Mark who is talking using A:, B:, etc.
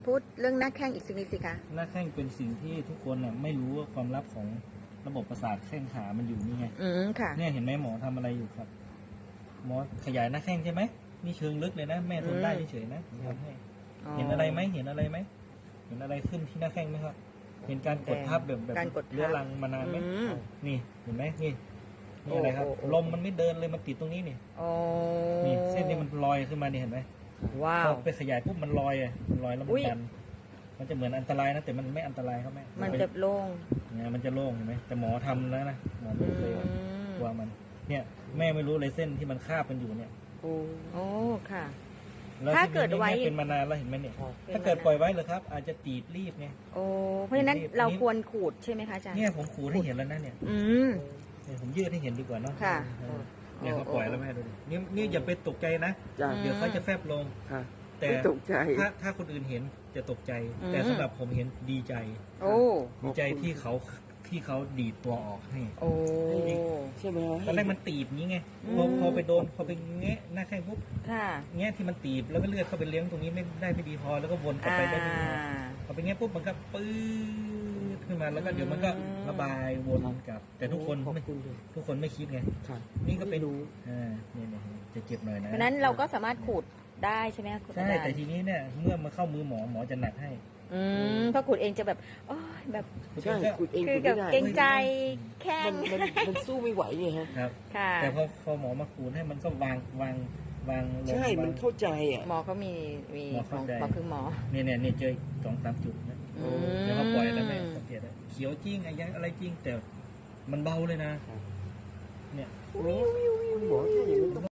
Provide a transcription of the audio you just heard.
A: พูดเรื่องหน้าแข้งอีกสักนิดสิคะ
B: หน้าแข้งเป็นสิ่งที่ทุกคนน่ะไม่รู้ว่าความลับของระบบประสาทแข้งขามันอยู่นี่ไง
A: ค่ะ
B: เนี่ยเห็นไหมหมอทำอะไรอยู่ครับ หมอขยายหน้าแข้งใช่ไหมนี่เชิงลึกเลยนะแม่ทนได้เฉยๆนะทำให้เห็นอะไรไหมเห็นอะไรไหมเห็นอะไรขึ้นที่หน้าแข้งไหมครับ เห็นการกดทับแบบเรื้อรังมานานไหมนี่เห็นไหมนี่อะไรครับลมมันไม่เดินเลยมันติดตรงนี้นี่นี่เส้นนี้มันลอยขึ้นมานี่เห็นไหม
A: ว้าว
B: พอไปขยายปุ๊บมันลอยมันลอยแล้วมันดันมันจะเหมือนอันตรายนะแต่มันไม่อันตรายครับแม่
A: มันจะโล่ง
B: เนี่ยมันจะโล่งเห็นไหมแต่หมอทำแล้วนะหมอไม่เคยกลัวมันเนี่ยแม่ไม่รู้เลยเส้นที่มันคาบกันอยู่เนี่ย
A: โอ้ค่ะ
B: ถ้าเกิดไว้เป็นมานานแล้วเห็นไหมเนี่ยถ้าเกิดปล่อยไว้เลยครับอาจจะตีบรีบไง
A: โอ้เพราะฉะนั้นเราควรขูดใช่ไหมคะอาจารย์
B: เนี่ยผมขูดให้เห็นแล้วนะเนี่ยผมยืดให้เห็นดีกว่าเนาะ
A: ค่ะ
B: เนี่ยเขาปล่อยแล้วแม่ดูดินี่อย่าไปตกใจนะเดี๋ยวเขาจะแฟบลงแต่ถ้าคนอื่นเห็นจะตกใจแต่สำหรับผมเห็นดีใจดีใจที่เขาดีดตัวออกให้
C: ใช่ไหม
B: ตอนแรกมันตีบนี้ไงพอไปโดนพอไปแงะหน้าแข้งปุ๊บแงะที่มันตีบแล้วก็เลือดเข้าไปเลี้ยงตรงนี้ไม่ได้ไม่ดีพอแล้วก็วนกลับไปได้ไม่ดีพอไปแงะปุ๊บมันก็ปื้ดขึ้นมาแล้วก็เดี๋ยวมันก็ระบายวนกลับแต่ทุกคนไม่คิดไงนี่ก็ไปดูเนี่ยจะเจ็บหน่อยนะ
A: เพราะนั้นเราก็สามารถขูดได้ใช่ไหม
B: ใช่แต่ทีนี้เนี่ยเมื่อมาเข้ามือหมอจะหนักให้
A: เพราะขูดเองจะแบบแบบ
C: ใช่ขูดเอง
A: คือกับเกรงใจแข้ง
C: มันสู้ไม่ไหวไงฮะ
B: ครับแต่พอหมอมาขูดให้มันก็วาง
C: ใช่มันเข้าใจอ่ะ
A: หมอเขามีหมอคือหมอ
B: เนี่ยเจอ2-3 จุดนะเดี๋ยวเขาปล่อยแล้วแม่สังเกตเขียวจริงอะไรจริงแต่มันเบาเลยนะเนี่ย
C: หมอแค่อย่างนี้